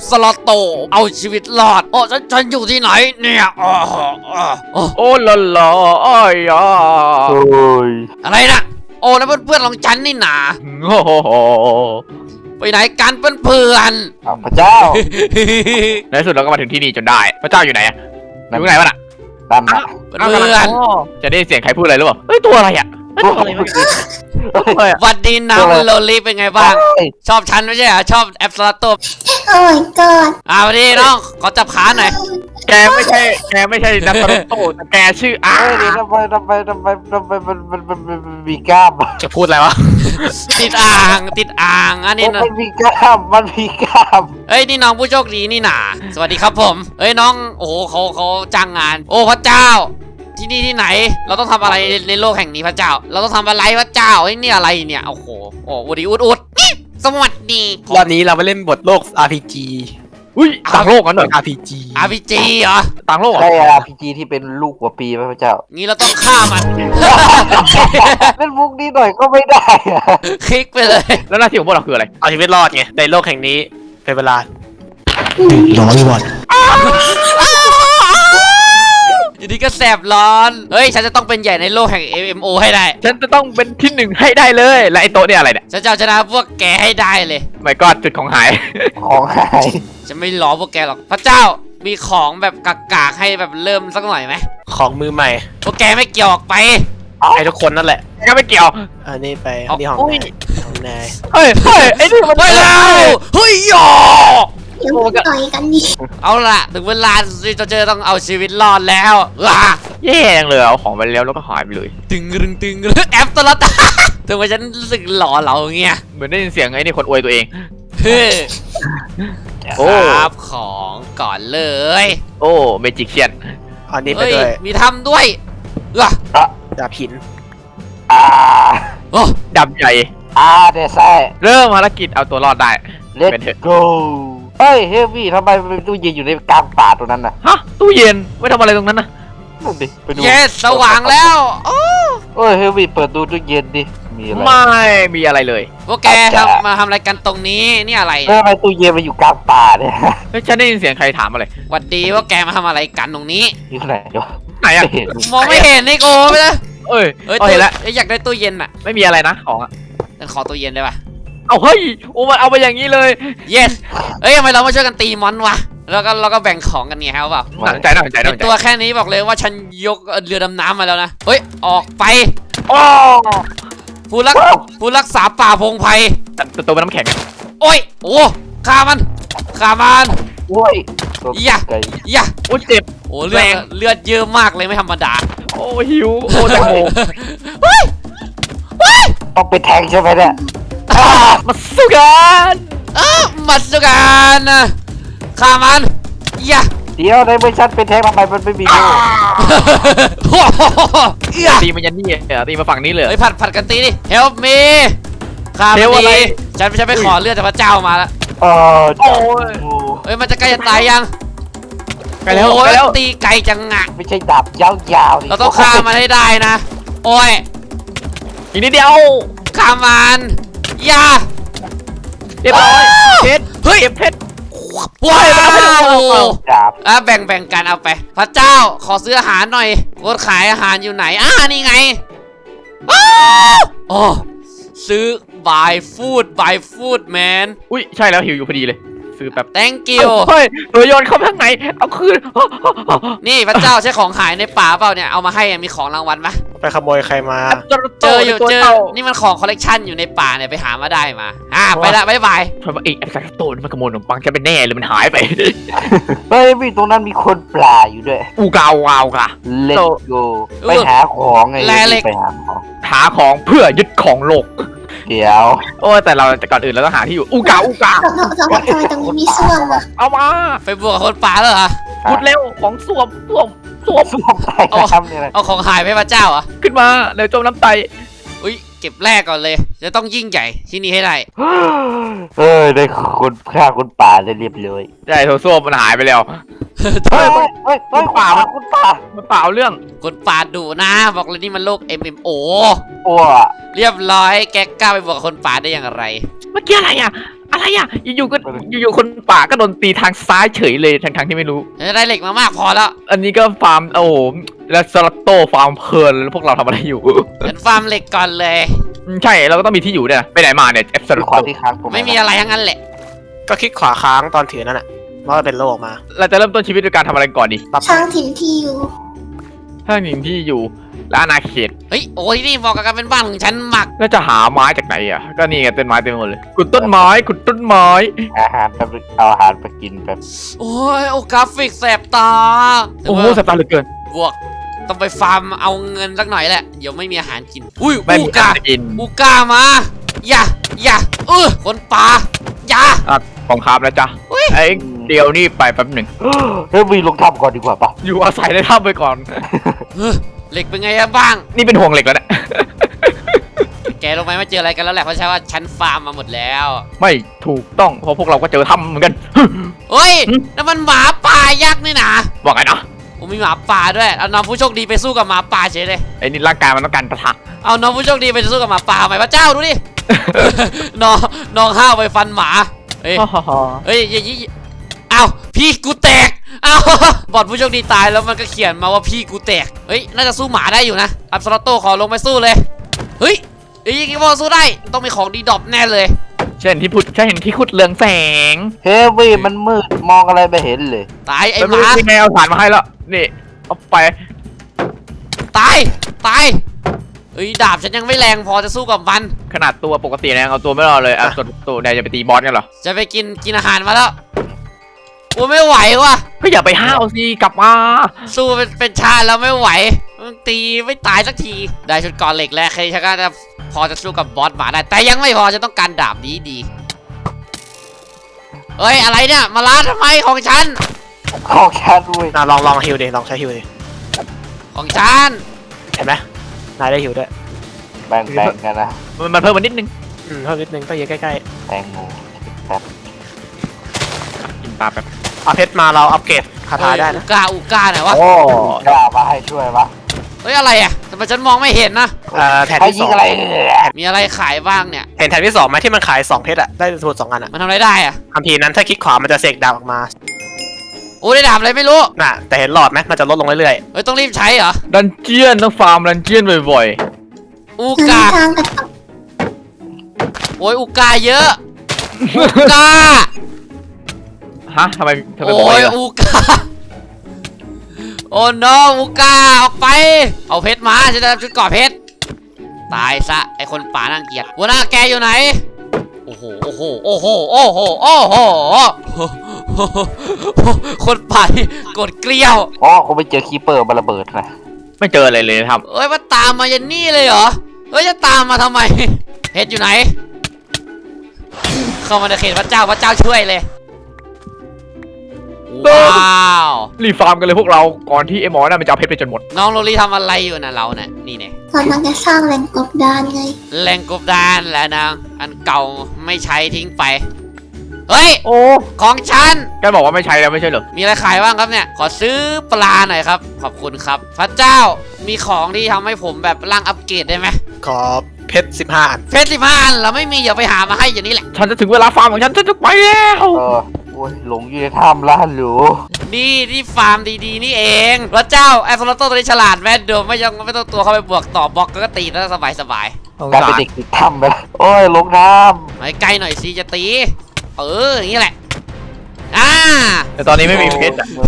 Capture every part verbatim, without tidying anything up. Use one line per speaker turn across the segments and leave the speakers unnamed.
สลอตโตเอาชีวิตรอดโอ้ฉันฉันอยู่ที่ไหนเนี่ยอ๋ออ๋อ
โอ้ละละอ้อยอ่ะ
โอ้ย
อะไรนะโอ้แล้วเพื่อนๆของฉันนี่หนา
โอ้โห
ไปไหนกันเพื่อน
อ้าวพระเจ้า
ๆ
ในที่สุดเราก็มาถึงที่นี่จนได้พระเจ้าอยู่ไหนอะอยู่ไหนวะน่ะ
นั่นนะ
เพื่อน
จะได้เสียงใครพูดอะไรหรือเปล่าเฮ้ยตัวอะไรอะเฮ้ยตัวอะไรวะตัวอะไรอะ
ๆวันดีน้องโลลีเป็นไงบ้าง ชอบฉันไม่ใช่เหรอชอบแอปสลอตโต
โอ้ยกอด
อ่าวันดีน้องขอจับขาหน่อย
แกไม่ใช่แกไม่ใช่นักตลกโตแต่แกชื่ออา
เฮ้ยนี่ทำไมทำไมทำไมทำไมมันมันมันมันมันมีกล้ามอะ
จะพูดอะไรวะ
ติดอ่างติดอ่างอันนี้นะ
มันมีกล้ามมันมีกล้าม
เอ้ยนี่น้องผู้โชคดีนี่หนาสวัสดีครับผมเอ้ยน้องโอ้โหเขาเขาจ้างงาน โอ้พระเจ้า ที่นี่ที่ไหน เราต้องทำอะไรในโลกแห่งนี้พระเจ้า เราต้องทำอะไรพระเจ้าไอ้ยนี่อะไรเนี่ยโอ้โหโอ้อุดิอุดอุดนี่สวัสดี
รอบนี้เราไปเล่นบทโลก อาร์ พี จี
อุ้ยต่างโลกกันเหรอ
อาร์ พี จี
อาร์พีจีเหรอ
ต่างโลกเหรอ
ใช่อาร์พีจีที่เป็นลูกหัวปีไหมพระเจ้า
งี้เราต้องฆ่ามัน
เล่นมุกนี้หน่อยก็ไม่ได้อะ
คลิกไปเลย
แล้วหน้าที่ของพวกเราคืออะไร
เอาชีวิตรอดไงในโลกแห่งนี้เป็นเวลา
อยู่ดีก็แสบร้อน เฮ้ย ฉันจะต้องเป็นใหญ่ในโลกแห่ง เอ็ม เอ็ม โอ ให้ได้
ฉันจะต้องเป็นที่หนึ่งให้ได้เลยและไอ้โต๊ะเนี่ยอะไรเนี่ย
ฉันจะเอาชนะพวกแกให้ได้เลย
ไม่ก็จุดของหาย
ของหาย
ฉันไม่ล้อพวกแกหรอก พระเจ้า มีของแบบกากๆให้แบบเริ่มสักหน่อยไหม
ของมือใหม่
พวกแกไม่เกี่ยวออกไป
ให้ทุกคนนั่นแหละ
ก็ไม่เกี่ยว
อันนี้ไป
เอา
อันนี้ของ
อุ้ย
นายของนาย
เฮ้ยเฮ้ยไอ้นี่มัน
ไปแล้วเฮ้ยโย
เดี๋ยวมาต่อยกันดิ
เอาล่ะ ถึงเวลาที่เราจะต้องเอาชีวิตรอดแล้วว้า
แย่จังเลยเอาของไปแล้วแล้วก็หายไปเลย
ตึงรึงตึงรึงแอปตลอด ถึงว่าฉันรู้สึกหล่อเหลาเงี้ย
เหมือนได้ยินเสียงไอ้นี่คนอวยตัวเอง
เฮ้ย
โอ้
ครับของก่อนเลย
โอ้เมจิกเชียน
อันนี้ไป
เฮ้ย
ด้วย
มีทำด้วยว้า
ดาบหิน
อ่า
โอ้
ดับใหญ่
อ่าเดซ่
เริ่มภารกิจเอาตัวรอดได้
เล็
เป็นเถอะ
โกเฮ้ยเฮฟวี่ทำไมมันเป็นตู้เย็นอยู่ในกลางป่าตรงนั้นน่ะ
ฮะตู้เย็นไว้ทำอะไรตรงนั้นนะ
นั่นดิไปดู
เยสสว่างแล้วโอ้
เฮ้ยเฮฟวี่เปิดดูตู้เย็นดิมีอะไร
ไม่มีอะไรเลย
พวกแกทำมาทำอะไรกันตรงนี้นี่อะไร
เฮ้ยทำไมตู้เย็นมันอยู่กลางป่าเนี่ย
เฮ้ยฉันได้ยินเสียงใครถามอะไร
หวัดดีพวกแกมาทำอะไรกันตรงนี้
อยู่ไหนวะ
ไหนอะ
ไม่เห็น
มองไม่เห็นนี่โกไปเลย
เอ้ย
เอ้ย
เอ้ย
ตู้
เห็นแล้ว
เอ้ยอยากได้ตู้เย็นอ่ะ
ไม่มีอะไรนะของอะ
ฉันขอตู้เย็นได้ปะ
เอาเฮ้ยโอ้มันเอาไปอย่างนี้เลย
yes เอ้ยทำไมเราไม่ช่วยกันตีมอนวะแล้วก็เราก็แบ่งของกันไงครับเปล่า
น่าสนใจน่าสนใจน่าสนใจ
ตัวแค่นี้บอกเลยว่าฉันยกเรือดำน้ำมาแล้วนะเฮ้ยออกไป
โอ้
ผู้รักผู้รักษาป่าพงไพร
แต่ตัวเป็นน้ำแข็ง
โอ้ยโอ้ฆ่ามันฆ่ามัน
โอ้ยตัว
อย่า
ไก่
อย่า
โอ้เจ็บ
โอ้เลือด
แรง
เลือดเยอะมากเลยไม่ธรรมดา
โอ้หิวโอ้แตงโม
เฮ้ยเฮ้ย
ต้องเป็นแทงใช่ไหมเนี่ย
มาสู้กัน
เออมัดสุกันนะฆ่ามันอย่า
เดี๋ยวในเมื่อฉันเป็นแทงทำไมมันไม่มีโล่
โอ้โหอย่า
ตีมันยันนี่เออตีมาฝั่งนี้เลย
เฮ้ยผัดผัดกันตีดิ help me ฆ่ามัน
Help อะไร
ดีฉันฉันไปขอเลือดจากพระเจ้ามาแล้ว
เออ
โอ้ย
โอ้
เฮ้ยมันจะใกล้จะตายยัง
ไปแล้ว
โอ้
ไป
ย
แล้ว
ตีไกลจังอะ
ไม่ใช่ดาบยาวๆนี่
เราต้องฆ่ามันให้ได้นะ โอ้ย
อีกนิดเดียว
ฆ่ามันอย่า
เรียบร้อยเพชร
เฮ้ย
เก็บเพชร
ว้าว
ดาบ
อ่ะแบ่งแบ่งกันเอาไป พระเจ้าขอซื้ออาหารหน่อยโคตรขายอาหารอยู่ไหนอ่านี่ไงอ้าวโอ้ซื้อ buy food buy food man
อุ้ยใช่แล้วหิวอยู่พอดีเลยซื้อแบบ
thank you
เฮ้ยตัวโยนเข้าไปข้างในเอาคืน
นี่พระเจ้าใช้ของหายในป่าเปล่าเนี่ยเอามาให้อ่ะมีของรางวัลปะ
ไปขโมยใครมา
เจออยู่เจอนี่มันของคอลเลกชันอยู่ในป่าเนี่ยไปหามาได้มาอ่าไปละบ๊ายบาย
เพราะว่าไอ้แอปแซคโตนมันขโมยขนมปังจะเป็นแน่เลยมันหายไป
เฮ้ยพี่ตรงนั้นมีคนปลาอยู่ด้วย
อูกาววาวค่ะ
เลตโกไปหาของไงไปหาของ
หาของเพื่อยึดของโลก
เดี๋ยว
โอ้แต่เราแต่ก่อนอื่นเราต้องหาที่อยู่อูกาอูกา
ทำไมทำไมตรงนี้มีส้วมอ่ะ
เอามา
ไปบวกกับคนป่าแล้วเหรอ
พูดเร็วของสวมสวมสวม
ส้วมใต้น้ำเนี่ยนะ
เอาของหายไปให้พระเจ้าเหรอ่ะ
ขึ้นมาเดี๋ยวจมน้ำไต
อุ้ยเก็บแรกก่อนเลย จะต้องยิ่งใหญ่ที่นี่ให้ได้
เอ้ยได้คนฆ่าคนป่าได้เรียบร้อย
ใช่โถส้วมมันหายไปแล้ว
เฮ้ยเฮ้ยเฮ้ยคนป่าคนป่า
มันเปล่าเรื่อง
คนป่าดุนะ บอกเลยนี่มันโลก เอ็ม เอ็ม โอ
โอ้
เรียบร้อยแกกล้าไปบวกกับคนป่าได้อย่างไร
เมื่อกี้อะไรอ่ะอะไรอ่ะอยู่ๆก็อยู่ๆคนป่าก็โดนตีทางซ้ายเฉยเลยทั้งๆที่ไม่รู้
จะได้เหล็กมามากพอแล้ว
อันนี้ก็ฟาร์มโอ้โหแล้วสลัตโตฟาร์มเพลินแล้วพวกเราทำอะไรอยู่
ฉันฟาร์มเหล็กก่อนเลย
อืมใช่เราก็ต้องมีที่อยู่ด้วยนะไปไหนมาเนี่ยเอฟส
คือ
ลัต
ควา
โต
มที่ค้างตรง
ไม่มีอะไรทั้งนั้นแหละ
ก็คลิกขวาค้างตอนถือนั่นแหละมันก็เป็นโลออกมา
เราจะเริ่มต้นชีวิตด้วยการทำอะไรก่อนดี
สร้างถิ่นที่อยู่
ถ้าหนึ่งที่อยู่และอาณาเขต
เฮ้ยโอ้ยนี่บอกกับการเป็นบ้านของฉันหมัก
แล้วจะหาไม้จากไหนอ่ะก็นี่ไงต้นไม้เต็มไปหมดเลยขุดต้นไม้ขุดต้นไม้
อาหารแป๊บนึงเอาอาหารไปกินแป๊บ
โอ้ยโอ้กราฟิกแสบตา
โอ้โหสับตาเหลือเกิน
บวกต้องไปฟาร์มเอาเงินสักหน่อยแหละเดี๋ยวไม่มีอาหารกินอุ้ย
ไม่
อู
มี
กา
การจะกิน
อูกามาอย่าอย่าเออคนป่าอย่า
อ่ะของครับนะจ๊ะไอ้เดียวนี่ไปแป๊บหนึ่ง
เฮ้ยวีลงทำก่อนดีกว่าปะ
อยู่อาศัยในถ้ำไปก่อน
เออเหล็กเป็นไงอะบ้าง
นี่เป็นห่วงเหล็กแล้วเนี่ย
แกรู้ไหมว่าเจออะไรกันแล้วแหละเพราะใช่ว่าฉันฟาร์มมาหมดแล้ว
ไม่ถูกต้องเพราะพวกเราก็เจอถ้ำเหมือนกัน
เฮ้ย
หึ
นั่นมันหมาป่ายักษ์นี่นะ
ว่าไงนะ
โอ้มีหมาป่าด้วยเอาน้องผู้โชคดีไปสู้กับหมาป่าเฉยเลย
ไอ้นี่ร่างกายมันต้องการปะทะ
เอาน้องผู้โชคดีไปสู้กับหมาป่าไหมพระเจ้าดูดิ น้องน้องห้าวไปฟันหมาเฮ้ย เฮ้ยยี่ยี่อ้าวพี่กูแตกอ้าวบอดผู้โชคดีตายแล้วมันก็เขียนมาว่าพี่กูแตกเฮ้ยน่าจะสู้หมาได้อยู่นะอับสลอตโต้ขอลงไปสู้เลยเฮ้ยเฮ้ยยังไงพอสู้ได้ต้องมีของดีดรอปแน่เลย
เช่นที่พุดใช่เห็นที่ขุดเรืองแสง
เฮ้ยวีมันมืดมองอะไรไม่เห็นเลย
ตายไอ้
แล้ว
หมา
มีแมวผ่านมาให้แล้วนี่เอาไป
ตายตายเฮ้ยดาบฉันยังไม่แรงพอจะสู้กับมัน
ขนาดตัวปกตินะยังเอาตัวไม่รอดเลยอ่ะตัวตัวใดจะไปตีบอสกันเหรอ
จะไปกินกินอาหารมาแล้วโอ้ไม่ไหวว่ะ
ก็อย่าไปห้าวสิกลับมา
สู้เป็นเป็นชาติแล้วไม่ไหวมันตีไม่ตายสักทีได้ชุดก่อนเหล็กแล้วใครฉันก็จะพอจะสู้กับบอสหมาได้แต่ยังไม่พอจะต้องการดาบดีดีเฮ้ยอะไรเนี่ยมาล้าทำไมของฉัน
ของแคทวี
น่าลองลองฮิวดิลองใช้ฮิวดิ
ของฉัน
เห็นไหมนายได้ฮิวด้วย
แบ่งแบ่งกันนะ
มันมันเพิ่มมานิดนึง
อืมเพิ่มนิดนึงก็เยอะใกล้
แตงโมแป๊บ
กินปลาแป๊บ
ๆเอาเพชรมาเราอัปเกรดคาถาได้
อุ
นะ
กาอุกาไหนวะ
โอ้กล้ามาให้ช่วยปะ
เฮ้ยอะไรอ่ะทำไมฉันมองไม่เห็นนะ
เอ่อแถน
ให้
ที่
ยิ
ส
ง
อง
อะไรเนี่ย
มีอะไรขายบ้างเนี่ย
เห็นแถนที่สองไหมที่มันขายสองเพชรอะได้สมุดสองอันอะ
มันทำอะไรได้อ่ะ
คำพีร์นั้นถ้าคลิกขวามันจะเสกดาบออกมา
โอ้ได้ดาบอะไรไม่รู้
น่ะแต่เห็นหลอดไหมมันจะลดลงเรื่อย
เฮ้ยต้องรีบใช้เหรอ
ดันเจียนต้องฟาร์มดันเจียนบ่อย
อุ
ทาง
กา
ทางกระตก
โอ้ยอุกาเยอะอุกา
ๆฮะทำไมทำไม
โอ้
บ่อย
ย
ล่ะ
อุกาโอ้น้องอุกาออกไปเอาเพชรมาฉันจะทำชุดเกราะเพชรตายซะไอคนป่าน่าเกลียดหัวหน้าแกอยู่ไหนโอ้โหโอ้โหโอ้โหโอ้โหโอ้โหคนป่าที่กดเกลียว
อ๋อคงไปเจอคีเปอร์มาระเบิดนะ
ไม่เจออะไรเลยนะครับ
เอ้ยมาตามมายันนี่เลยเหรอเอ้ยจะตามมาทำไมเพชรอยู่ไหน เข้ามาในเขตพระเจ้าพระเจ้าช่วยเลยว้าว
รีบฟาร์มกันเลยพวกเราก่อนที่ไอ้หมอนั่นมันจะเอาเพชรไปจนหมด
น้องโรลี่ทำอะไรอยู่นะเราเนี่ยนี่เนี่ย
กำลังจะสร้างแหล่งกบดานไง
แรงกบดานแล้วนางอันเก่าไม่ใช้ทิ้งไปเฮ้ย
โอ้
ของฉัน
แกบอกว่าไม่ใช้แล้วไม่ใช่เหรอ
มีอะไรขายบ้างครับเนี่ยขอซื้อปลาหน่อยครับขอบคุณครับ พระเจ้ามีของที่ทำให้ผมแบบร่างอัปเกรดได้ไหม
ๆขอเพชรสิบห้าอัน
เพชรสิบห้าอันเราไม่มีอย่าไปหามาให้อย่างนี้แหละ
ฉันจะถึงเวลาฟาร์มของฉันฉันจะไปแล้ว
เออโอ้ยหลงอยู่ในถ้ำล้านหรู
นี่ที่ฟาร์มดีๆนี่เองพระเจ้าแอสโซโลโตตัวนี้ฉลาดแม่เดิมไม่ยังไม่ต้องตัวเข้าไปบวกต่อบล็อกก็ตีแล้วสบายสบาย
กลายเป็นเด็กติดถ้ำไปแล้วโอ้ยลงน้
ๆไปใกล้หน่อยสิจะตีเอออย่างนี้แหละอ่า
แต่ตอนนี้
ำ
ไม่มีเพชรอะ
โอ้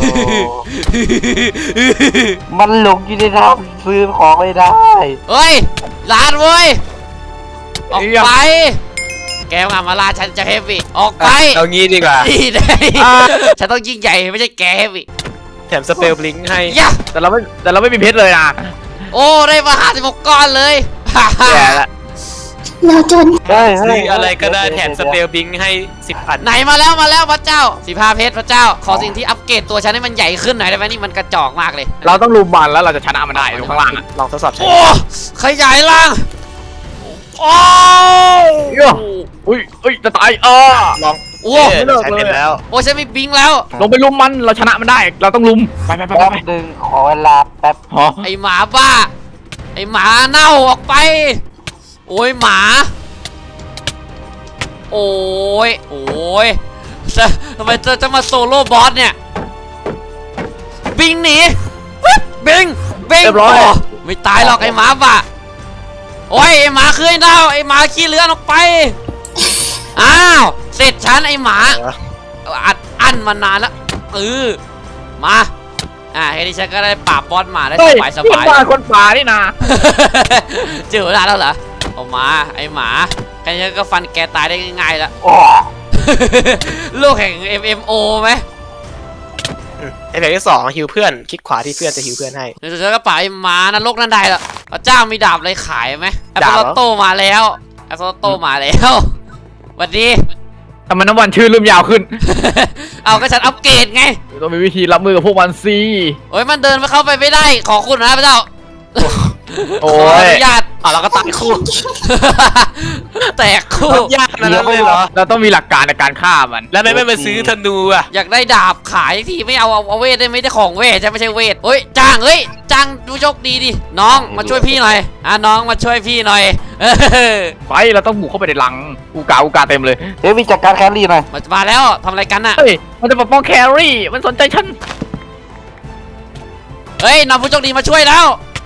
มันหลงอยู่ในถ้ำซื้อของไม่ได้
เฮ้ยลานเว้ยออกไปแกมามาลาฉันจะเฮฟวี่ออกไป
เอางี้ดีกว่า
นี่ได้ฉันต้องยิ่งใหญ่ไม่ใช่แกเฮฟวี่
แถมสเปลบลิงก์ให้
ยะ
แต่เราไม่แต่เราไม่มีเพชรเลยนะ
โอ้ได้มาห้าสิบหกก้อนเลย
แย่ละ
เราจน
เฮ้ยเฮ้
ซื้
ย
ออะไรก็ได้แถมสเปลบลิงก์ให้สิบอัน
ไหนมาแล้วมาแล้วพระเจ้าสีพาเพชรพระเจ้า ขอสิ่งที่อัปเกรดตัวฉันให้มันใหญ่ขึ้นหน่อยได้ไหมนี่มันกระจอกมากเลย
เราต้องลุมมันแล้วเราจะชนะมันได้ตรงข้างล่างอะ
ลองทดสอบใช้
โอ้ขยายล่างโอ้
อุ้ยอุ้ยจะตายเออ
ลอง
โอ้
เอ๊ะใช้เป็นแล้ว
โอ้ฉันมีบิงแล้ว
ลงไปลุมมันเราชนะมันได้ เราต้องลุมไปไปไป
แป๊บ
ไป
หนึ่งขอเวลาแป๊บ
ฮะ
ไอหมาบ้า ไอหมาเน่าออกไป โอ้ยหมาโอ้ยโอ้ยจะทำไมจะจะมาโซโล่บอสเนี่ยบิงหนีวิบบิงบิง
เรียบร้อย
โไม่ตายหรอกไอ้หมาป่ะโอ้ยไอ้หมาคือไอ้เน่าไอ้หมาขี้เลือนออกไปอ้าวเสร็จฉันไอ้หมาอัดอั้นมานานแล้วเออมาอ่าแค่นี้ฉันก็ได้ปราบบอสหมาได้
เฮ้
ส
ย
บายส
นี่
บาย
บ้านคนป่านี่นา
เจอเวลาแล้วเหรอเอามาไอ้หมาแค่นี้ก็ฟันแกตายได้ง่ายๆแล้ว
โอ้
โลกแห่ง เอ็ม เอ็ม โอ ไหม
ไอแบบที่สองฮิวเพื่อนคลิกขวาที่เพื่อนจะฮิวเพื่อนให้
เดี๋ยวเจอก็ป่าไอ้หมานรกนั่นได้ละพระเจ้ามีดาบอะไรขายไหมแอป
ดาบ
เปิ
เหร
ล
อ
โตมาแล้วแอปเปิลโตมาแล้วสวัสดี
ทำไมน้ำวันชื่อเริ่มยาวขึ้น
เอาก็ฉันอัปเกรดไง
ต้องมีวิธีรับมือกับพวกมันสิ
โอ้ยมันเดินไปเข้าไปไม่ได้ขอคุณนะพระเจ้า
โอ้
ขออย นุญาต
อ่ะเราก็ตายคู่
แตกคู่
ยากขนาดนั้นเลยเหรอ
เราต้องมีหลักการในการฆ่ามัน
แล้วไม่ไม่มาซื้อธนูอ่ะ
อยากได้ดาบขายทีไม่เอาเอาเอาเวทได้ไม่ได้ของเวทใช่ไม่ใช่เวทเฮ้ยจ้างเฮ้ยจ้างดูโชคดีดิน้องมาช่วยพี่หน่อยอ่ะน้องมาช่วยพี่หน่อยเออ
ไปเราต้องบุกเข้าไปในหลังอูกาอูกาเต็มเลย
เฮฟวี่จัดการแครี่หน่อย
มามาแล้วทำอะไรกันน่ะ
เฮ้ยมันจะปกป้องแครี่มันสนใจฉัน
เฮ้ยนำผู้โชคดีมาช่วยแล้ว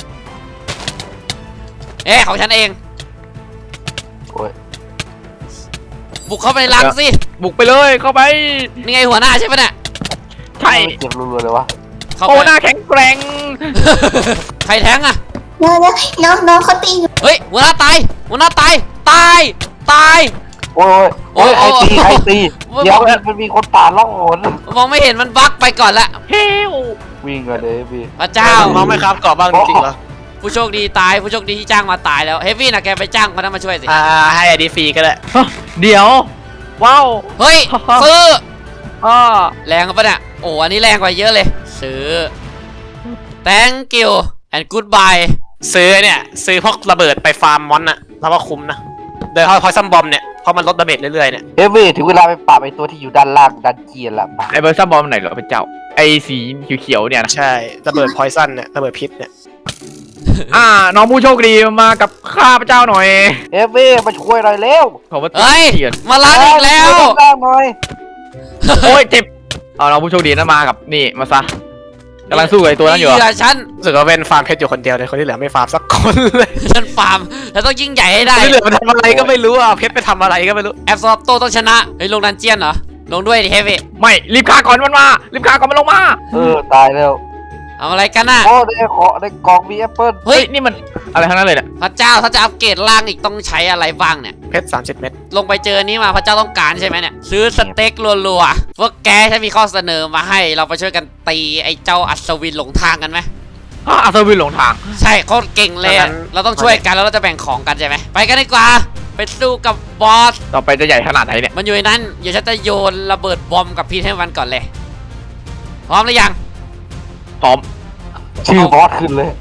เอ๊ะของฉันเอง
โอ้ย
บุกเข้าไปในรังสิ
บุกไปเลยเข้าไป
นี่ไงหัวหน้าใช่ปะเนี่ย
ใช่
เจ็บรัวๆเลยวะ
เข้า
โอ้
ไป
หน้าแข็งแกร่ง
ใครแทงอะ
เดี๋ยวเดี๋ยวน้องน้องเขาตีอยู่
เฮ้ยหัวหน้าตายหัวหน้าตายตายตาย
โอ้ยโอ้ย
โอ้
ใคร
ย
ตีใครตี
โอ้ย
เดี๋ยวมันมีคนป่าล่องหน
มองไม่เห็นมันบั๊กไปก่อนละ
เฮ้ว
วิ่งกันเลยพี่
พระเจ้า
มองไม่ครับกรอบบ้างจริงเหรอ
ผู้โชคดีตายผู้โชคดีที่จ้างมาตายแล้วเฮฟวี่นะแกไปจ้างคนนั้นมาช่วยสิ
อ่าให้ไอดีฟรีก็ได้
เดี๋ยวว้าว
เฮ้ยซื้อ
อ่า
แรงปะเนี่ยโอ้อันนี้แรงกว่าเยอะเลยซื้อ thank you and goodbye
ซื้อเนี่ยซื้อพวกระเบิดไปฟาร์มมอนน่ะแล้วก็คุ้มนะโดยเฉพาะพอยซัมบอมเนี่ยเพราะมันลดดาเมจเรื่อยๆเนี่ย
เฮฟวี่ถึงเวลาไปปราบไอ้ตัวที่อยู่ด้านล่างดันเจียนละป่ะ
ไอเบอร์ซับบอมไหนเหรอเป็นเจ้าไอสีเขียวๆเนี่ยนะ
ใช่ระเบิดพอยซันเนี่ยระเบิดพิษเนี่ย
อ่าน้องผู้โชคดีมากับข้าพเจ้าหน่อย
เฮฟวี่มาช่วยหน่อยเร็ว
ขอมา
เฮ้ย
เขียน
มาล้างอีกแล้ว
ช่ยด้านล่างหน่อย
โอ้ยเจ็บเอาน้องผู้โชคดีนั่นมากับนี่มาซะกำลังสู้กับไอตัวนั้นอยู่
เห
อะ
ยื่อฉัน
รู้สึกว่าเป็นฟาร์มเพชรอยู่คนเดียวเลยคนที่เหลือไม่ฟาร์มสักคนเลย
ฉันฟาร์มแล้วต้องยิ่งใหญ่ให้ได้
ที่เหลือมันทำอะไรก็ไม่รู้อ่ะเพชรไปทำอะไรก็ไม่รู้
แอปซอฟโตต้องชนะเฮ้ยลงดันเจียนเหรอลงด้วยดิเฮฟวี่
ไม่รีบฆ่าก่อนมันมารีบฆ่าก่อนมันลงมา
เออตายแล้ว
เอาอะไรกันน่ะ
โอ้ได้ขอได้กล่องมีแอปเปิ้ล
เฮ้ย
นี่มันอะไรทั้งนั้นเลยเนี่ย
พระเจ้าถ้าจะอัปเกรดร่างอีกต้องใช้อะไรบ้างเนี่ย
เพชรสามสิบเม็ด
ลงไปเจอนี้มาพระเจ้าต้องการใช่ไหมเนี่ยซื้อสเต็กรัวๆพวกแกฉันมีข้อเสนอมาให้เราไปช่วยกันตีไอ้เจ้าอัศวินหลงทางกันไหม
อ่ะอัศวินหลงทาง
ใช่เขาเก่งเลยอะเราต้องช่วยกันแล้วเราจะแบ่งของกันใช่ไหมไปกันดีกว่าไปสู้กับบอส
ต่อไปจะใหญ่ขนาดไหนเนี่ย
มันอยู่ในนั้นเดี๋ยวฉันจะโยนระเบิดบอมกับพีทให้มันก่อนเลยพร้อมหรือยัง
พร้อม
ชื่อบอสขึ้นเลย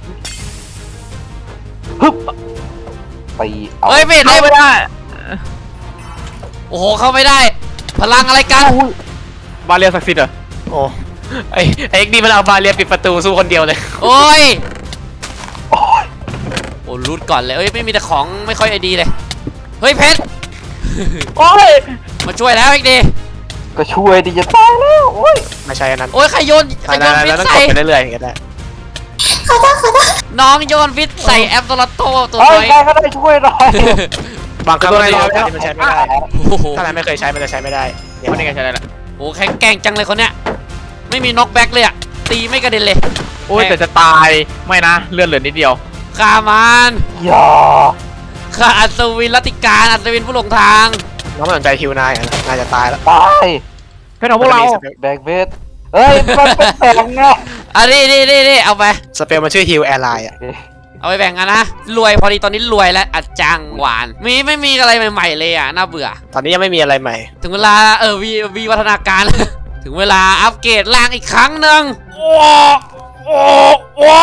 ฮึบตีเอา
เฮ้ยไม่เห็น
เข้า
เลย
ไม่ได้
โอ้โหเข้าไม่ได้ พลังอะไรกัน
อุ้ย
บาเรียศักดิ์สิทธิ์เหรอ
โอ้ไอไอเอ็กดีมันเอาบาเรียปิดประตูสู้คนเดียวเลย
โอ้ย
โอ้ย
โอ้รูดก่อนเลยเอ้ยไม่มีแต่ของไม่ค่อยไอดีเลยเฮ้ยเพชร
โอ้ย
มาช่วยแล้วเอ็กดี
ก็ช่วยดิจะตายแล้วโอ้ย
ไม่ใช่อันนั้น
โอ้ยใครโยนใคร
อัน
โย
นั้น
น
อัน
ฟิต
นั้นต้อง
ใส่
กดไปเรื่อยๆอย่างเงี้ยได้
ขอโทษขอโทษ
น้องโยนฟิตใส่แอปโซลาโตตัว
เฮ้
น้
ย
อย
ใครก็ได้ช่วยหน่อย
บางครั้งมันใช้ไม่ได้มันใช้ไม่ได้
โอ้โห
ถ้านายไม่เคยใช้มันจะใช้ไม่ได้เนี่ย
มันยังไงใช่ไหมล่ะ
โอ้แข็งแกร่งจังเลยคนเนี้ยไม่มีน็อกแบ็กเลยอะตีไม่กระเด็นเลย
โอ้ยแต่จะตายไม่นะเลือดเหลือนิดเดียว
ฆ่ามัน
อย่า
ฆ่าอัศวินรัตติการอัศวินผู้หลงทาง
น้องไม่สนใจฮิวนายอ่ะนายจะตายแล้ว
ตาย
เพื่อนของพวกเรา
แบกเวทเฮ้ยมันเป็นแสงไง
อันนี้นี่นี่นี่เอาไป
สเปลมันชื่อฮิวแอร์ไลน์อ่ะ
เอาไปแบ่งกันนะ รวยพอดีตอนนี้รวยแล้วอัดจังหวาน มีไม่มีอะไรใหม่ๆเลยอ่ะ น่าเบื่อ
ตอนนี้ยังไม่มีอะไรใหม่
ถึงเวลาเออวีวีวัฒนาการ ถึงเวลาอัปเกรดร่างอีกครั้งหนึ่งโอ้โอ้โอ้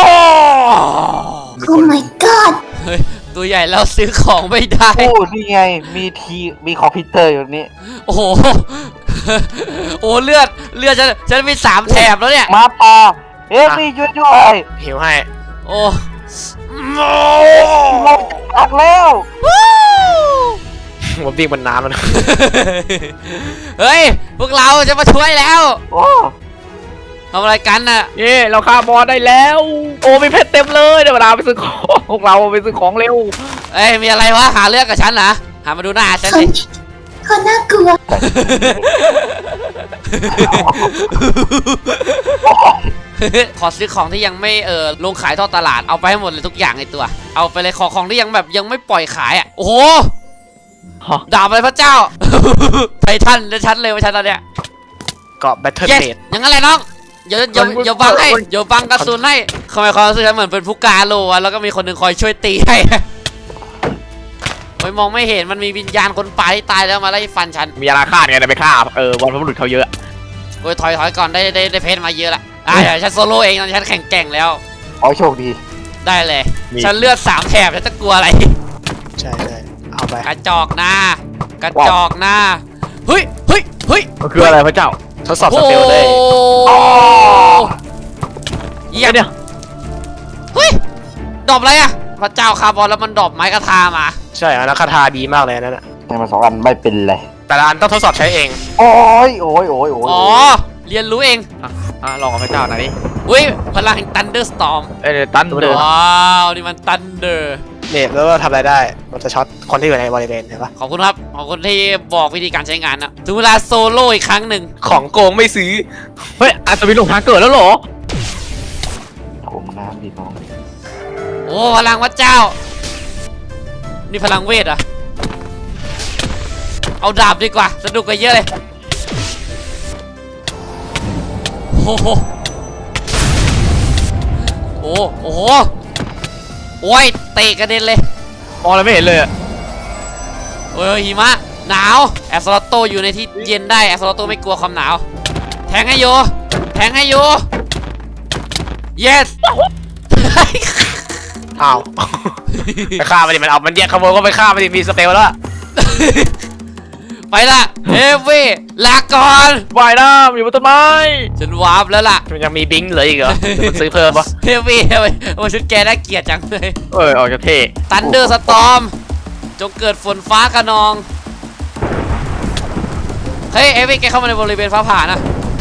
โอ้ my god
เฮ้ยตัวใหญ่แล้วซื้อของไม่ได้
โอ้นี่ไงมีทีมีคอมพิวเตอร์อยู่นี่
โอ้โห โอ้เลือดเลือดฉันฉันมีสามแถบแล้วเนี่ย
หมาป่าเฮ้ยมีช่วยด้วย
ฮิวให้
โอ้โ
ลงจากแล้ว
ผมวิ่งบนน้ำแล้วนะ
เฮ้ยพวกเราจะมาช่วยแล้ว
โอ้
ทำอะไรกันน่ะ
เย่เราฆ่าบอสได้แล้ว โอ้มีเพชรเต็มเลยเดี๋ยวเวลาไปซื้อของพวกเราไปซื้อของเร็ว
เอ้ยมีอะไรวะหาเรื่องกับฉันนะหามาดูหน้าฉัน
คน
สิ
คนน่ากลัว
ขอซื้อของที่ยังไม่เออลงขายทอดตลาดเอาไปให้หมดเลยทุกอย่างในตัว เอาไปเลยของของที่ยังแบบยังไม่ปล่อยขายอ่ะโอ้โห
ฮะ
ดาบอะไรพระเจ้า ไททันจะชัดเลยว่าชัดตอนเนี้ย
เกาะแบทเทิล
เย็ด
เบด
อย่างนั้นแหละน้องอย่าอย่าอย่าบังให้อย่าบังกระสุนให้ทำไมความรู้สึกฉันเหมือนเป็นผู้การโลวะแล้วก็มีคนหนึ่งคอยช่วยตีให้ ไม่มองไม่เห็นมันมีวิญญาณคนป่าที่ตายแล้วมาไล่ฟันฉัน
มีอาราคาดไงแต่ไปฆ่าเออวันพบุรุษเขาเยอะ
โอ้ยถอยถอยก่อนได้ได้ได้เพชรมาเยอะละอ่ะเดี๋ยวฉันโซโล่เองตอนนฉันแข่งแกร่งแล้ว
ขอให้โชคดี
ได้เลย ฉันเลือดสามแถบฉันจะกลัวอะไร
ใช่ใช่เอาไป
กระจอกหน้า กระจอกหน้า เฮ้ย เฮ้ย เฮ้ย
มันคืออะไรพระเจ้า
ทดสอบสเตลเลย
โอ้เยี่ยม
เนี่ย
เฮ้ย ดรอปอะไรอะพระเจ้าคาร์บอนแล้วมันดรอปไม้กระทามา
ใช่แล้วคาถาดีมากเลยนั่นแหละ
แต่มาสองอันไม่เป็นไร
แต่ละอันต้องทดสอบใช้เอง
โอ้ยโอ้ยโอ้ยโอ้ย
อ๋อ เรียนรู้เอง
อ่ะอ่ะลองกับพระเจ้าหน่อยดิ
อุ้ย พลังแห่ง Thunderstorm
เอ้ยตันเดิน
ว้าว นี่มัน Thunder
เนี่ยแล้วก็ทำอะไรได้มันจะช็อตคนที่อยู่ในบริเวณเห็นปะ
ขอบคุณครับ ขอบคุณที่บอกวิธีการใช้งานนะ ถึงเวลาโซโล่อีกครั้งหนึ่ง
ของโกงไม่ซื้อ
เฮ้ยอัศวินหลงทางเกิดแล้วเหรอ
โถมน้ำดิน้อง
โอ้พลังพระเจ้า นี่พลังเวทเหรอะเอาดาบดีกว่าสนุกกว่าเยอะเลยโอ้โหโอ้โอ้โหโอ้ยเตะกระเด็นเลย
มองอะไรไม่เห็นเลยอะ
โอ้ยหิมะหนาวแอสโซลโตอยู่ในที่เย็นได้แอสโซลโตไม่กลัวความหนาวแทงให้โยแทงให้โย yes
อ้าว ไปฆ่ามันดิมันเอามันแยกขโมยก็ไปฆ่ามันดิมีสเตลแล้วอะ
ไปละเฮฟวี่ลาก่อน
ว่ายน้ำอยู่บนต้นไม้
ฉันวาร์ปแล้วล่ะ
มันยังมีบิงค์เหลืออีกเหรอเดี๋ยวมันซื้อเพิ่มปะ
เฮฟวี่ทำไมโอ้ชุดแกน่าเกลียดจังเลย
เออออกจากเท่
ตันเดอร์สตอมจงเกิดฝนฟ้าขนอง เฮ้ยเอฟวี่แกเข้ามาในบริเวณฟ้าผ่านะ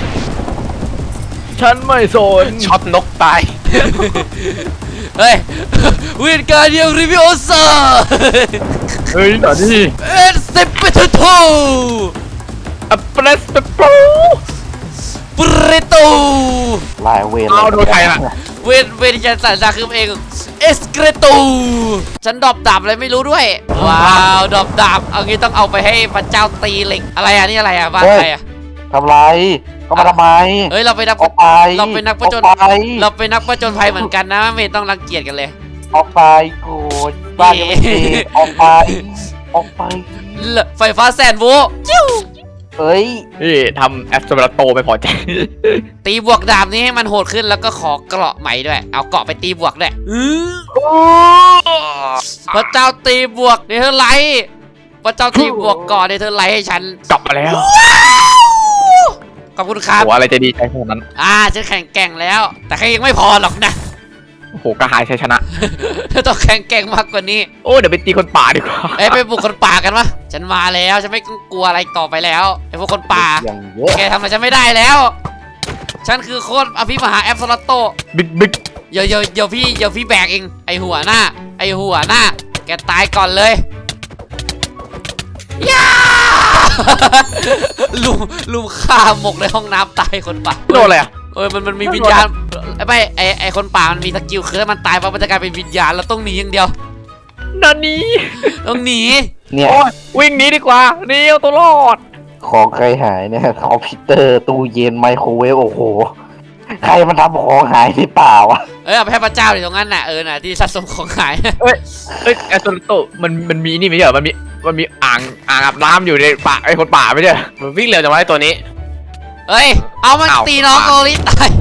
ฉันไม่สน
ช็อตนกตาย
เฮ้ย วินการเดียริวิโอเซอร์
เฮ้ยหน่อยดิ
เอ็นเซปเปอร์ทู
อัปเปรสเปโป
ปริโต
ลายเวร
เอาโดนใครล่ะ
เวนเวนฉันสั่นซาคือเองเอสเกรโตฉันดรอปดาบอะไรไม่รู้ด้วย ว้าวดรอปดาบเอางี้ต้องเอาไปให้พระเจ้าตีเหล็กอะไรอ่ะนี่อะไรอ่ะบ้านใครอ่ะ
ทำไรก็มาทำไม
เฮ้ยเราไปนัก
ออกไป
เราเป็นนักผจญ
ออกไป
เราเป็นนักผจญภัยเหมือนกันนะไม่ต้องรังเกียจกันเลย
ออกไปโกรธบ้านยังไม่เสร็จออกไปออกไป
เลไฟฟ้าแสนโวลต์จิ้ว
เอ้ย
นี่ทำแอสโตรโตไม่พอใจ
ตีบวกดาบนี้ให้มันโหดขึ้นแล้วก็ขอเกราะใหม่ด้วย เอาเกราะไปตีบวกด้วยอื้อพระเจ้าตีบวกเนเธอร์ไลท์พระเจ้าตีบวกเกราะเนเธอร์ไลท์ให้ฉัน
กลับมาแล้ว
ขอบคุณครับ
โอ้อะไรจะดีใจขนาดนั้น
อ่าฉันแข่งแกร่งแล้ว แต่แค่ยังไม่พอหรอกนะ
โอ้โหกระหายชัยชนะ
เธอต้องแข่งแกร่งมากกว่านี้
โอ้เดี๋ยวไปตีคนป่าดีกว่า
เอ้ยไปบุกคนป่ากันวะฉันมาแล้วฉันไม่กลัวอะไรต่อไปแล้วไอ้พวกคนป่า
อย่างเยอะ
แกทำอะไรฉันไม่ได้แล้ว ฉันคือโคตรอภิมหาแอปโซลโต
บิ๊กบิ๊ก
เดี๋ยวเดี๋ยวเดี๋ยวพี่เดี๋ยวพี่แบกเองไอหัวหน้า ไอหัวหน้า แกตายก่อนเลยย่า ลุมลุมฆ่าหมกในห้องน้ำตายคนป่า
โดนอะไรอ่ะ
เออมันมันมีวิญญาณไอ้ไม่ไอไอคนป่ามันมีสกิลคือถ้ามันตายปั๊บมันจะกลายเป็นวิญญาณเราต้องหนีอย่างเดียว
นันนี้
ต้องหนี
เนี่ย
โอ้ยวิ่งหนีดีกว่าหนี่เอาตัวรอด
ของใครหายเนี่ยคอมพิวเตอร์ตู้เย็นไมโครเวฟโอ้โหใครมันทำของหายหรือเปล่าวะ
เออเอาไปให้พระเจ้าอยู่ตรงนั้นน่ะเออน่ะที่สะสมของหาย
เอ้ยเอ้ยแอสโตรโตมันมันมีนี่ไม่ใช่เหรอมันมีมันมีอ่างอ่างอาบน้ำอยู่ในป่าไอ้คนป่าไม่ใช่เหรอ
มันวิ่งเร็วจังวะไอ้ตัวนี้
เอ้ยเอามัน
อ้าว
ตีน้องโกลิตาย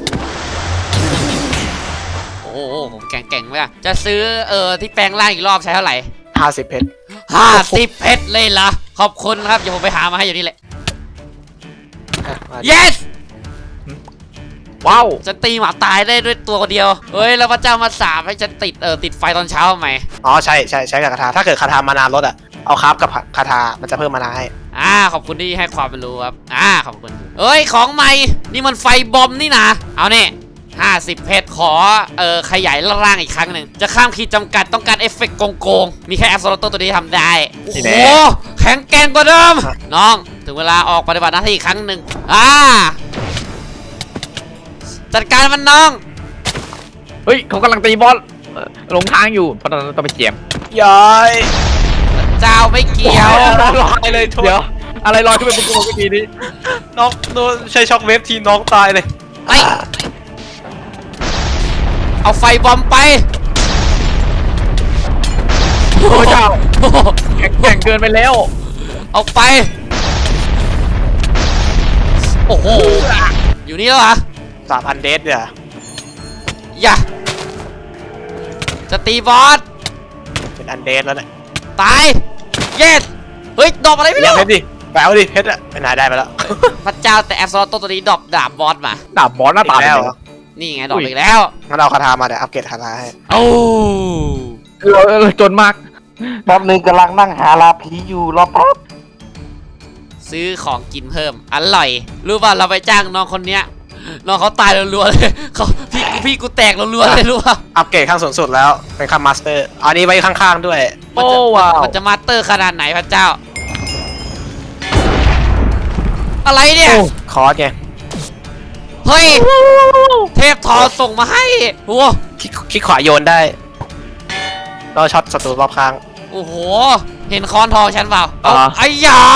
โอ้โหผมแก่งๆไหมอะจะซื้อเออที่แปลงร่างอีกรอบใช้เท่าไหร่
ห้าสิบเพชร
ห้าสิบเพชรเลยเหรอขอบคุณครับเดี๋ยวผมไปหามาให้อยู่นี่แหละ
อ่ะมา
yes
ว้าว
ฉันตีหมาตายได้ด้วยตัวเดียวเฮ้ยแล้วพระเจ้ามาสาปให้ฉันติดเออติดไฟตอนเช้าทำไม
อ๋อใช่ใช่ใช้กับคาถาถ้าเกิดคาถามานานลดอ่ะเอาคราฟกับคาถามันจะเพิ่มมานาให้
อ่าขอบคุณที่ให้ความรู้ครับอ่าขอบคุณเอ้ยของใหม่นี่มันไฟบอมนี่นะเอาเนี่ยห้าสิบเพชรขอเออขยายร่างอีกครั้งหนึ่งจะข้ามขีดจำกัดต้องการเอฟเฟกต์โกงๆมีแค่แอปโซลโตตัวนี้ทำได้โอ้โหแข็งแกร่งกว่าเดิมน้องถึงเวลาออกปฏิบัติหน้าที่อีกครั้งหนึ่งอ่าจัดการมันน้อง
เฮ้ยเขากำลังตีบอสเอ่อลงทางอยู่เพราะตอนนั้นต้องไปเจียม
ย้อย
เจ้าไม่เกี่ยว
ลอยเลยโทษ
เดี๋ยวอะไรลอยขึ้นไปบนตัวเมื่อกี้นี้
น้องโดนใช้ช็อคเวฟทีน้องตายเลย
ไปเอาไฟบอมไป
โอ้เจ้าแข็งแกร่งเกินไปแล้ว
เอาไปโอ้โหอยู่นี่แล้วเหรอ
สามพันเดสเนี่ย
อย่าจะตีบอส
เป็นอันเดสแล้วเนี่ย
ตาย เยสเฮ้ยดอกอะไรไม่
เรียก
รู้
เพชรดิไปเอาดิเพชรอะไปไหนได้ไปแล้ว
พระเจ้าแต่แอปโซลโตตัวนี้ดอกดาบบอสมา
ดาบบอสหน้าตา
อีกแล้ว
เป็น
เหร
ไง
อ
นี่ไงดอกอีกแล้ว
งั้นเราคาถามาเดี๋ยวอัปเกรดคาถาให้
โอ้
คือเราเราจนมาก
แป๊บนึงกำลังนั่งหาลาผีอยู่รอแป๊บ
ซื้อของกินเพิ่มอร่อยรู้ป่ะเราไปจ้างน้องคนเนี้ยน้องเขาตายรัวๆเลยเขาพี่พี่กูแตกรัวๆเลยรู้ป่ะ
อัปเกรดขั้นสูงสุดแล้วเป็นขั้นมาสเตอร์อันนี้ไว้ข้างๆด้วย
มัน
โอ้
จะ
ว้าว
มันจะมาสเตอร์ขนาดไหนพระเจ้า อะไรเนี่ย
คอร์สไง
เฮ้ย เทพทอส่งมาให้โอ้
คลิกคลิกขวาโยนได้เราช็อตศัตรูรอบข้าง
โอ้โห เห็นคอนทองฉันเปล่าเอา
อ่า
ไอ้ยา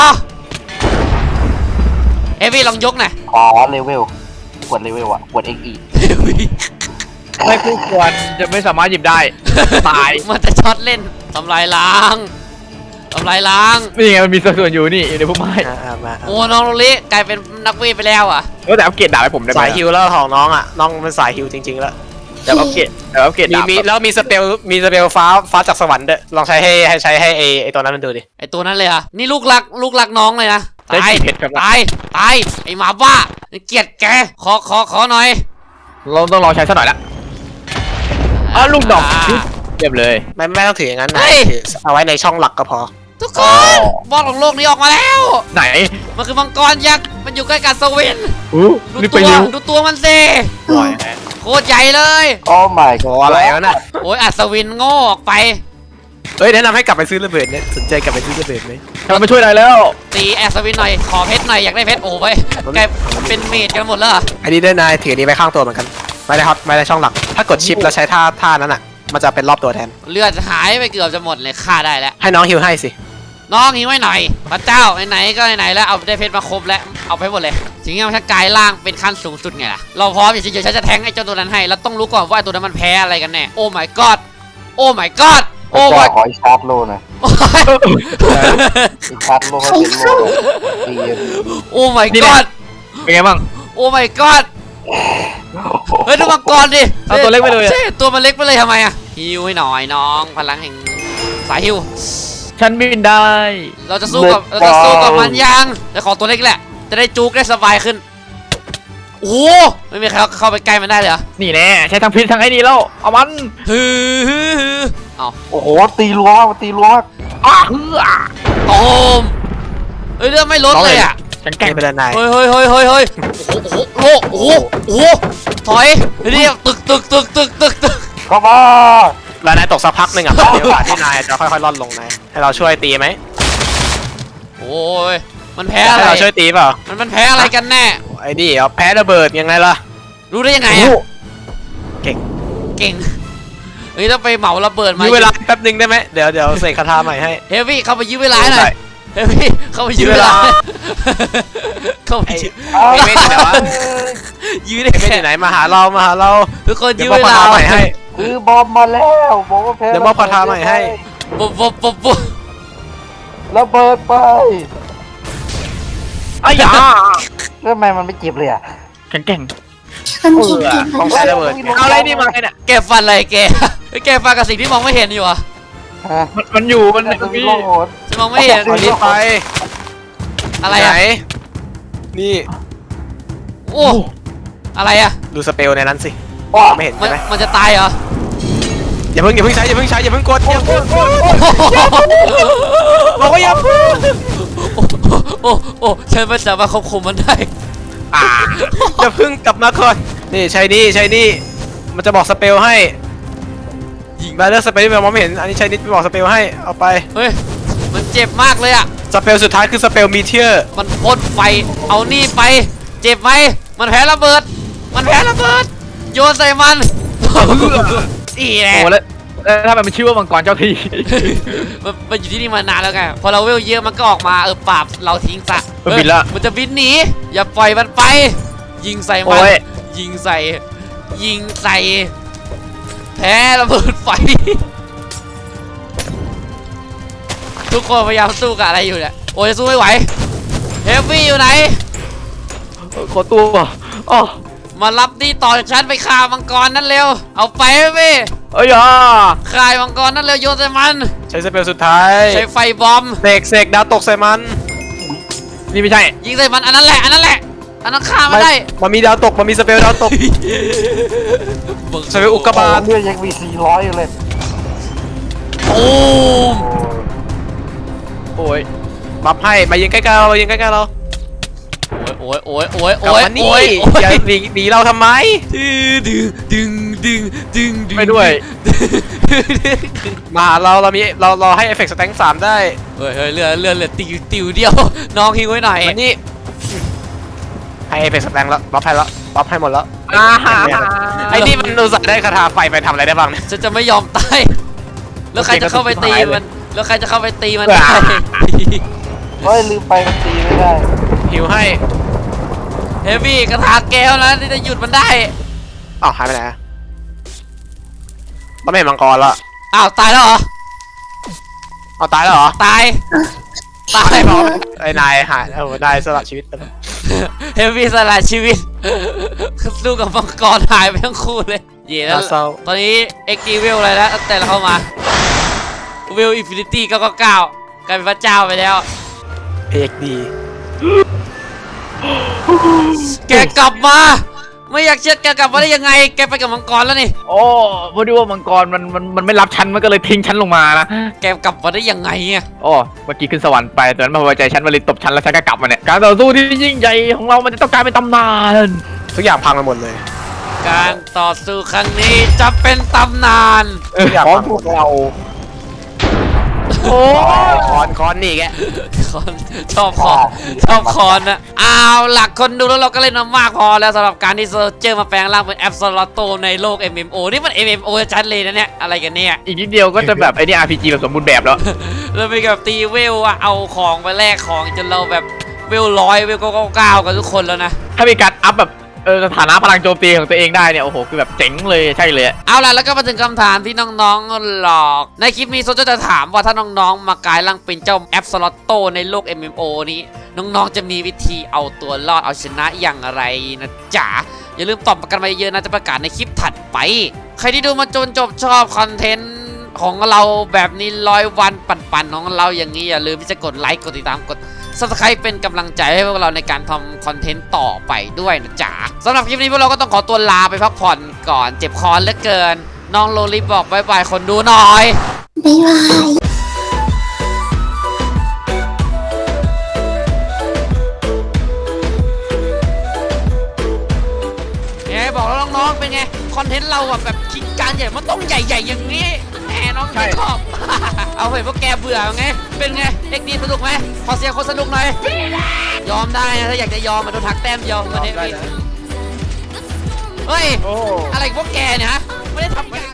เอวี่ลองยกหน่อย
ขอเลเวลกดเลเวลอะกดเอ็กอี
ไม่คู่ควรจะไม่สามารถหยิบได้ ตาย
มันจะช็อตเล่นทำลายล้างทำลายล้าง
นี่ไงมันมีส่วนอยู่นี่อยู่ในพุ่มไม้
อ่าๆมา
โอ้น้องโรลิกลายเป็นนักเวทไปแล้วอ่ะ
เออแต่อัปเกรดดาบให้ผมได้ไหม
สายฮิวแล้วของน้องอ่ะน้องเป็นสายฮิวจริงๆแล้ว
เดี๋ยวอัปเกรดเดี๋ยวอัปเกรด
มี
ดาบ
มีแล้วมีสเปลมีสเปลฟ้าฟ้าจากสวรรค์ด้วยลองใช้ให้ให้ใช้ให้ไอไอตัวนั้นมันดูดิ
ไอตัวนั้นเลยอ่ะ นี่ลูกรักลูกรักน้องเลยนะ
ได้
ตาย
กี่เพชรครับ
ตาย ตาย ไอหมาบ้า เกลียดแก ขอขอขอหน่อย
เราต้องลองใช้สักหน่อยละอ้าวลูกดอกเรียบเลย
ไม่ไม่ต้องถืออย่างนั้น
เฮ้
นะ
ย
ถือเอาไว้ในช่องหลักก็พอ
ทุกคน บอสของโลกนี้ออกมาแล้ว
ไหน
มันคือมังกรยักษ์ มันอยู่ใกล้กับสวิน
อู้
ดู
รีบไป
ตัว
เร็ว
ดูตัวมันสิ
โอ้ย
โคตรใหญ่เลย
โอ้ my
โอ้
god
อะไรวะน่ะ
โอ้ยอัศวินโง่ออกไป
เอ้ยแนะนำให้กลับไปซื้อระเบิดเนี่ยสนใจกลับไปซื้อระเบิดไหม
ทำไมมาช่วยได้แล้ว
ตีอัศวินหน่อย ขอเพชรหน่อย อยากได้เพชร โอ้ไปกลายเป็นเมจกันหมดแล้วเหรอ
อันนี้ด้วยนายถืออันนี้ไว้ข้างตัวเหมือนกันไม่ได้ฮอตไม่ได้ช่องหลัก ถ้ากดชิปแล้วใช้ท่าท่านั้นอ่ะมันจะเป็นรอบตัวแทน
เลือดหายไปเกือบจะหมดเลยฆ่าได้แล้ว
ให้น้องฮิวให้สิ
น้องหิวไว้หน่อย พระเจ้าไหนๆก็ไหนๆแล้วเอาได้เพชรมาครบแล้ว เอาไปหมดเลยสิ่งที่มันกลายร่างเป็นขั้นสูงสุดไงล่ะ เราพร้อมอย่างเฉยๆฉันจะแทงไอ้เจ้าตัวนั้นให้ แล้วต้องรู้ก่อนว่าไอ้ตัวนั้นมันแพ้อะไรกันแน่ โอ้ my god โอ้ my god
โอ้
โอ้ my
ขออีกชาร์จโลหน่อยอีกชาร์จโลให้เป็นโลเลยเรียน
โอ้ my
นี่แหละ
god
เป็นไงบ้าง
โอ้ my god เฮ้ยดูมังกรดิ
เอาตัวเล็กไปเลยอะ
ใช่ตัวมันเล็กไปเลยทำไมอะฮิวให้หน่อยน้องพลังแห่งสายฮิว
ฉันบินได้
เราจะสู้กับเราจะสู้กับมันยังแต่ขอตัวเล็กแหละ จะได้จูกได้สบายขึ้น โอ้โหไม่มีใครเข้าไปใกล้มันได้เลยเหรอ
นี่แน่ใช้ทั้งพิษทั้งไอ้นี่แล้วเอามัน
ฮือฮือฮือเอา
โอ้โหตีรัวมากตีรัวมาก
อ้าเฮือ
โตมเฮ้ยเรื่องไม่ลดเลยอ่ะ
ฉันแก
แก่
ล้ง
เป็นนาย
เฮ้ยเฮ้ยเฮ้ยเฮ้ยเฮ้ยโอ้โหโอ้โหโอ้โหถอยเรียตึกตึกตึกตึกตึกตึก
เข้ามา
แล้วนายตกสักพักหนึ่งอ่ะ เดี๋ยวกว่าที่นายจะค่อยๆล่อนลงนายให้เราช่วยตีไหม
โอ้ยมันแพ้
ให้
อะไร
เราช่วยตีเปล่า
มันมันแพ้อะไรกันแน่
ไอ้นี่เอาแพ้ระเบิดยังไงล่ะ
รู้ได้ยังไงอ่ะ
เก่ง
เก่งเฮ้ยต้องไปเหมาระเบิดมา
มีเวลาแป๊บนึงได้ไหมเดี๋ยวเดี๋ยวเสกคาถาใหม่ให้
เฮฟวี่เข้าไปยื้อเวลาหน่อยเฮฟวี่เข้าไปยื้อเวลาเข้าไปยื้อ
เอา
ไอ้เว้นไหนวะ
ยื้อได้
ไอ้เว้น
แค่
อยู่ไหนมาหาเรามาหาเรา
ทุกคน
เดี๋
ยื้
ย
อ
วมอบ
เว
คา
ลา
ถาใหม่ให้
คือบอมมาแล้วบอกว่าแพ้
เดี๋ยวมอบคาถาใหม่ให้
ปุ๊บปุ๊บปุ๊บปุ๊บ
ระเบิดไป
อ้ายา
แล้วทำไมมันไม่เจ็บเลยอ่ะ
แข็งแกร่ง
คนเก่ง
ต้องใช้ระเบิดไง
เอาอะไรนี่มาไงเนี่ย
แกฟันอะไรแกแกฟันกับสิ่งที่มองไม่เห็นอยู่อ่ะ
ฮะ
มันมันอยู่มัน
มันจะมี
มี
โลโหด
ฉันมองไม่เห็น
เอาลิ้นไป
อะไร
ไหน
อ่ะ
นี่
โอ้อะไรอ่ะ
ดูสเปลในนั้นสิ
ว้า
ไม่เห็น
มัน
ใช่ไหม
มันจะตายเหรอ
อย่าเพิ่งอย่าเพิ่งใช้อย่าเพิ่งใช้อย่าเพิ่งกดอย่าเพิ่งกดบอกว่าอย่าเพิ่ง
โอ้โอ้โอ้ฉันไม่สามารถควบคุมมันได้
อ่าอย่าเพิ่งกลับมาก่อนนี่ใช้นี่ใช้นี่มันจะบอกสเปลให้ยิงมาเลือกสเปลที่มันมองไม่เห็นอันนี้ใช้นี่บอกสเปลให้เอาไป
เฮ้ยมันเจ็บมากเลยอ่ะ
สเปลสุดท้ายคือสเปลมีเทียร์
มันพ่นไฟเอานี่ไป เจ็บไหมมันแพ้ระเบิด มันแพ้ระเบิดโยนใส่มันอีแหละ
โอ้แล้วแล้วถ้ามันชื่อว่ามังกรเจ้าที่
มันมันอยู่ที่นี่มานานแล้วไงพอเราเวลเยอะมันก็ออกมาเออปราบเราทิ้งซะ
มันบินละ
เออมันจะบินหนีอย่าปล่อยมันไป ยิงใส่มัน
โอ้ย
ยิงใส่ยิงใส่แพ้ระเบิดไฟ ทุกคนพยายามสู้กับอะไรอยู่เนี่ยโอ้ยสู้ไม่ไหวเฮฟวี่อยู่ไหน
ขอตัวอ๋อ
มารับนี่ต่อจากฉันไปฆ่ามังกรนั่นเร็วเอาไปเฮฟวี่
เอ้ยอ่ะ
ฆ่ามังกรนั่นเร็วโยนใส่มัน
ใช้สเปลสุดท้าย
ใช้ไฟบอม
เสกเสกดาวตกใส่มัน
นี่ไม่ใช่
ยิงใส่มันอันนั้นแหละอันนั้นแหละอันนั้นฆ่ามันได้
มันมีดาวตกมันมีสเปลดาวตก สเปลอุกกาบาต
เลือดยังมีสี่ร้อยอยู่เลย
โอ้ม
โอ้ย
บัฟให้มายิงใกล้ๆเรามายิงใกล้ๆเรา
โอ้ยโอ้ยโอ้ย
กลับ
โอ้ย
มานี่
โอ้ย
อย่าหนีหนีเราทำไม
ดึงดึงดึงดึงดึง
ไม่ด้วย
มาหาเราเรามีเราเราให้เอฟเฟกต์สแตงสามได้
เฮ้ยเฮ้ยเลือดเลือดเลือดติวติวเดียว น้องหิวไว้หน่อย
มานี่ให้เอฟเฟกต์สแตงแล้วบัฟให้แล้วบัฟให้หมดแล้ว
อ่าฮะ
ไอ้นี่มันอุตส่าห์ได้คาถาไฟไปทำอะไรได้บ้างเนี่ย
ฉันจะไม่ยอมตายแล้วใครจะเข้าไปตีมันแล้วใครจะเข้าไปตีมันได้
เฮ้ยลืมไปมันตีไม่ได้
หิวให้
เฮฟวี่กระถางแก้วนะที่จะหยุดมันได้
อ้าวหายไปไหนอะมันไม่เห็นมังกรแล้ว
อ้าวตายแล้วเหรอ
เอาตายแล้วเหรอ
ตายตาย
บอกไอ้นายหายแล้วนายสละชีวิตไปแล้ว
เฮฟวี่สละชีวิตสู้กับมังกรหายไปทั้งคู่เลยเย่แล้ว
น่าเศร้า
ตอนนี้เอ็กซ์ดีเวลอะไรแล้วตั้งแต่เราเข้ามาเวลอินฟินิตี้เก้าเก้าเก้ากลายเป็นพระเจ้าไปแล้ว
เอกดี
แกกลับมา ไม่อยากเชื่อแกกลับมาได้ยังไง แกไปกับมังกรแล้วนี่
โอ้พอดีว่ามังกรมันมันมันไม่รับฉันมันก็เลยทิ้งฉันลงมานะ
แกกลับมาได้ยังไงอ่ะ
โอ้เมื่อกี้ขึ้นสวรรค์ไปแต่นั้นมาพอใจฉันมาเลยตบฉันแล้วฉันก็กลับมาเนี่ยการต่อสู้ที่ยิ่งใหญ่ของเรามันจะต้องกลายเป็นตำนาน
ทุกอย่างพังไปหมดเลย
การต่อสู้ครั้งนี้จะเป็นตำนาน
เออของพวกเรา
โอ้คอนคอนนี่แก
คอนชอบคอนชอบคอนนะเอาหลักคนดูแล้วเราก็เล่นมามากพอแล้วสำหรับการที่โซเจอร์มาแปลงร่างเป็นแอปสลอตโตในโลก เอ็ม เอ็ม โอ นี่มัน เอ็ม เอ็ม โอ ชัดเลยนะเนี่ยอะไรกันเนี่ย
อีกนิดเดียวก็จะแบบไอ้นี่ อาร์ พี จี แบบสมบูรณ์แบบแล้ว
เราไปกับตีเวลอะเอาของไปแลกของจนเราแบบเวลร้อยเวลเก้าเก้าเก้ากันทุกคนแล้วนะ
ถ้ามีการอัพแบบเออสถานะพลังโจมตีของตัวเองได้เนี่ยโอ้โหคือแบบเจ๋งเลยใช่เลย
เอาล่ะแล้วก็มาถึงคำถามที่น้องๆหลอก ในคลิปนี้โซจะถามว่าถ้าน้องๆ มากลายร่างเป็นเจ้าแอปสล็อตโตในโลก เอ็ม เอ็ม โอ นี้ น้องๆ จะมีวิธีเอาตัวรอดเอาชนะอย่างไรนะจ๊ะ อย่าลืมตอบกันมาเยอะๆนะจะประกาศในคลิปถัดไป ใครที่ดูมาจนจบชอบคอนเทนต์ของเราแบบนี้ร้อยวันปั่นๆของเราอย่างนี้อย่าลืมที่จะกดไลค์กดติดตามกดSubscribe เป็นกำลังใจให้พวกเราในการทำคอนเทนต์ต่อไปด้วยนะจ๊ะสำหรับคลิปนี้พวกเราก็ต้องขอตัวลาไปพักผ่อนก่อนเจ็บคอเหลือเกิน น้องโลลิบอกบายบายคนดูหน่อย
บ๊ายบาย
ไงบอกแล้วน้องๆเป็นไงคอนเทนต์เราอะแบบคิดการใหญ่มันต้องใหญ่ๆอย่างนี้แหมน้องไม่ชอบ เอาเห็นพวกแกเบื่อไงเป็นไงเอ็กดีสนุกไหมขอเสียงคนสนุกหน่อยยอมได้นะถ้าอยากจะยอมมาโดนทักแต้มเดียวมาเนี่ยเฮ้ย
โอ้
อะไรพวกแกเนี่ยฮะไม่ได้ทำงาน